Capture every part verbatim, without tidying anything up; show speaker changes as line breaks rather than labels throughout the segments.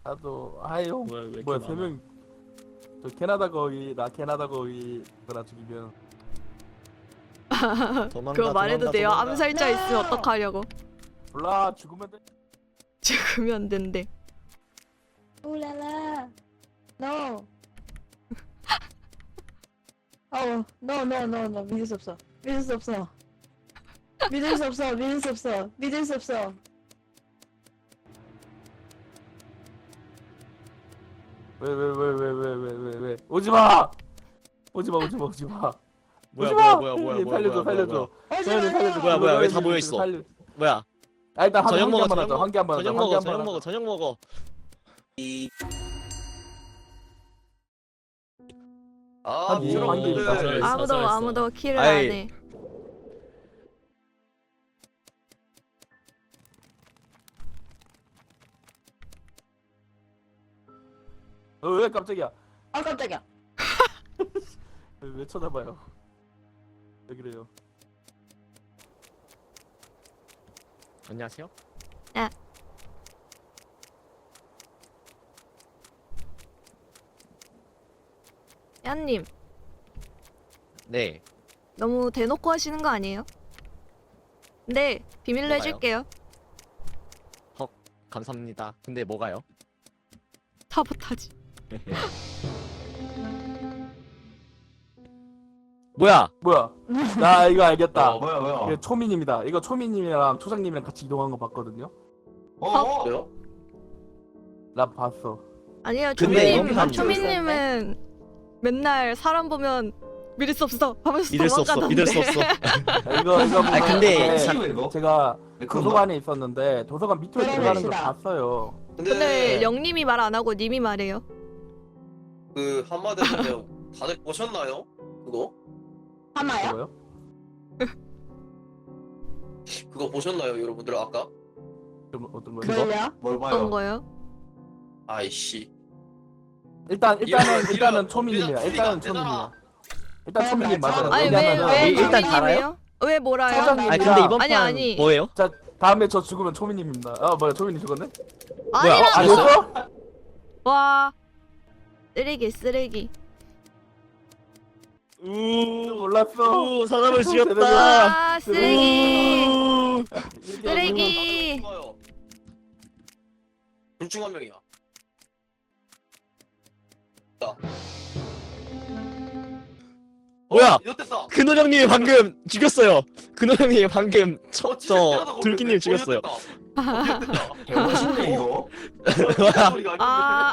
나도 하이용.
뭐야 왜 이렇게
뭐야
많아?
세 명. 저 캐나다 거위 나 캐나다 거위 그나 죽이면.
도망가,
그거 말해도
도망가,
돼요?
도망가.
암살자 있으면 어떡하려고?
몰라 죽으면 돼.
죽으면 안 된대.
울랄라. No. 어, no, no, no, no. 믿을 수 없어. 믿을 수 없어. 믿을 수 없어. 믿을 수 없어. 믿을 수 없어.
왜 왜 왜 왜 왜 왜 왜 왜 오지 마. 오지 마 오지 마 오지 마.
뭐야
오지
뭐야
마!
뭐야 뭐야 뭐야
살려줘
뭐야,
살려줘.
뭐야.
오지
서현이
마세요.
살려줘.
뭐야, 뭐야, 왜다
살려줘,
모여 있어?
살려-
뭐야?
아 일단 한,
저녁
한
먹어,
개만
저녁
하자.
먹어.
한 개만 하자.
저녁
한
먹어,
개만
저녁
하자.
먹어, 저녁 먹어.
아,
한
부끄러워.
한 개 있다.
네.
아무도
사살했어.
아무도 킬을
아이.
안 해.
어, 왜 깜짝이야?
아, 깜짝이야.
왜, 왜 쳐다봐요? 왜 그래요?
안녕하세요.
야님
네.
너무 대놓고 하시는 거 아니에요? 네 비밀로
뭐가요?
해줄게요.
감사합니다. 근데 뭐가요?
사보타지.
뭐야?
뭐야? 나 이거 알겠다.
어, 뭐야 뭐야.
이게 초민입니다. 이거 초민님이랑 초장님이랑 같이 이동한 거 봤거든요.
어? 어? 왜요?
나 봤어.
아니요
근데
초민님
이건
초민님은 맨날 사람 보면 믿을 수 없어 하면서
믿을 수 없어.
도망가던데.
믿을 수 없어.
야, 이거 이거
아니, 근데
보면
사-
이거 이거?
제가
왜 그런
도서관에 있었는데 도서관 밑으로
그래,
들어가는 걸
그래.
봤어요.
근데 영님이 말 안 하고 님이 말해요.
그 한마디로 다들 보셨나요? 그거?
하마야?
뭐요?
그거 보셨나요, 여러분들 아까?
좀 어떤 거요?
그거?
뭘요?
뭘
어떤
봐요?
거요?
아이씨.
일단 일단은
이런-
일단은
이런-
초민님이야.
이런
일단은
소리가 안
초민이야. 일단
어,
초민님
맞아.
맞아요.
아니
왜냐면은
왜왜
일단
초민님이에요? 왜 뭐라요?
초장님.
아니 근데 이번
아니,
판
아니.
뭐예요?
자 다음에 저 죽으면 초민님입니다. 아 뭐야 초민님 죽었네?
뭐야?
아니라
어,
아니었어?
와 쓰레기 쓰레기.
우,
몰랐어.
우 사람을 죽였다.
와 쓰레기
우.
쓰레기.
둘중 한 명이야.
뭐야?
이렇댔다.
근호 형님이 방금 죽였어요. 근호 형님이 방금 저,
어, 진짜
저
대단하다,
둘기님
거기.
죽였어요.
어, 이렇댔다.
개멋있네 이거.
이렇댔다. 소리가 아닌데.
아.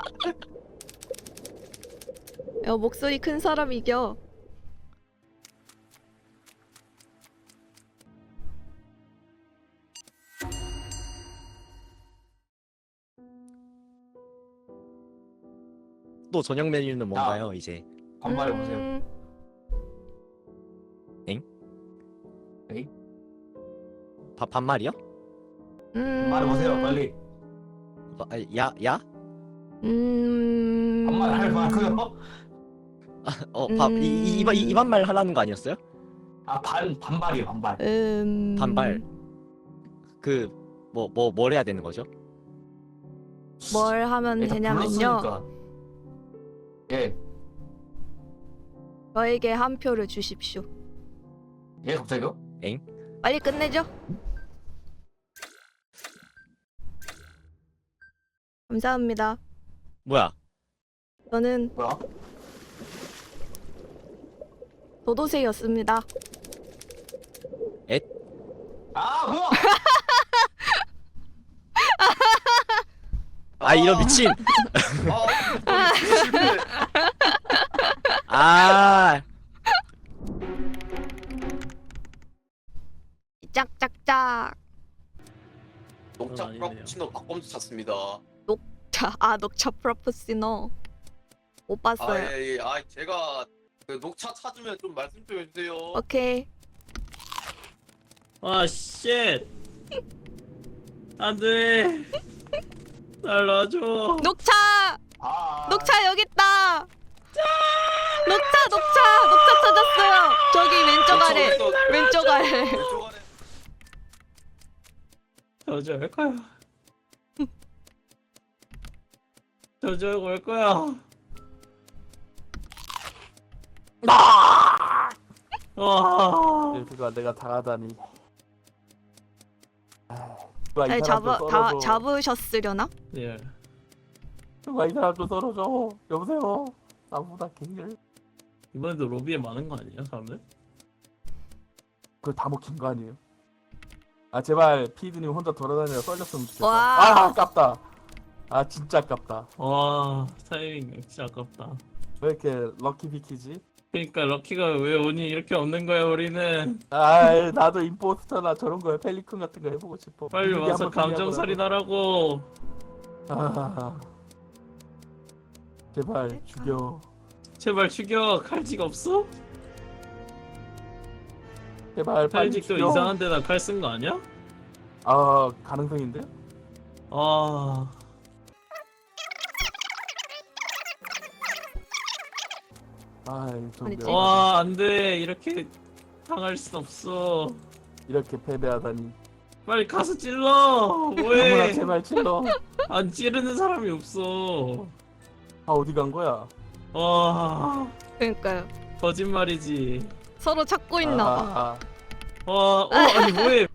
야 목소리 큰 사람 이겨.
또 저녁 메뉴는 뭔가요 이제?
반말해 보세요.
음,
바, 반말이요?
음,
반말해 보세요 빨리.
아, 야 야?
음.
반말할 만하고요.
어, 밥, 이, 이, 이, 이, 이 반말 하라는 거 아니었어요?
아반 반발이에요 반발.
음.
반발. 그, 뭐, 뭐, 뭘 해야 되는 거죠?
뭘 하면
일단
되냐면요.
불렀으니까. 예.
저에게 한 표를 주십시오.
예 갑자기요?
빨리 끝내죠. 감사합니다.
뭐야?
저는
뭐야?
도도새였습니다.
아 뭐야?
아, 이런 미친!
아, 실패.
아,
짝짝짝.
녹차
그건 아니네요.
프라푸치노 박범수 찾습니다.
자, 아 녹차 프로포시노 못
아,
봤어요.
예, 예. 아, 제가 그 녹차 찾으면 좀 말씀 좀 해주세요.
오케이.
아 쉣. 안돼. 날 놔줘.
녹차,
아.
녹차 여기 있다. 녹차, 녹차, 녹차 찾았어요. 저기 왼쪽 아래,
왼쪽,
왼쪽 아래.
왼쪽 아래.
어쩔까요? 저쪽 올 거야. 와.
그거 내가 당하다니. 아, 누가 이
아니
사람 좀
잡아 다
썰어줘.
잡으셨으려나?
예.
누가 이 사람 좀 썰어줘. 여보세요. 나보다 개일.
이번에도 로비에 많은 거 아니야 사람들?
그걸 다 먹힌 거 아니에요? 아 제발 피드님 혼자 돌아다니며 썰렸으면 좋겠다.
와.
아 아깝다. 아 진짜 아깝다.
와 타이밍 진짜 아깝다.
왜 이렇게 럭키 비키지?
그러니까 럭키가 왜 운이 이렇게 없는 거야 우리는.
아 나도 임포스터나 저런 거에 펠리콘 같은 거 해보고 싶어.
빨리
비밀이
와서
한번
감정살인하라고.
아 제발 죽여.
제발 죽여. 칼직 없어?
제발 빨리
칼직도
죽여.
이상한 데다 칼 쓴 거 아니야?
아 가능성인데?
아.
아이 좀
아니,
명-
와 안돼 이렇게 당할 순 없어.
이렇게 패배하다니.
빨리 가서 찔러.
아무나
뭐해?
제발 찔러.
안 찌르는 사람이 없어.
아 어디 간 거야?
와
그러니까요.
거짓말이지.
서로 찾고 있나 봐.
아,
와, 어 아니 뭐해?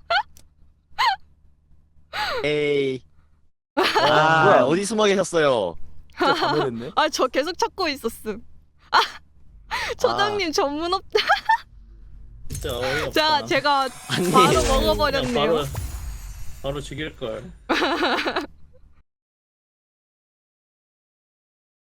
에이.
뭐야?
아, 어디 숨어 계셨어요?
진짜 자멸했네.
아 저 계속 찾고 있었음. 아 초장님 전문 없.
진짜 어이없다.
자 제가
아니.
바로
그냥
먹어버렸네요.
바로, 바로 죽일 걸.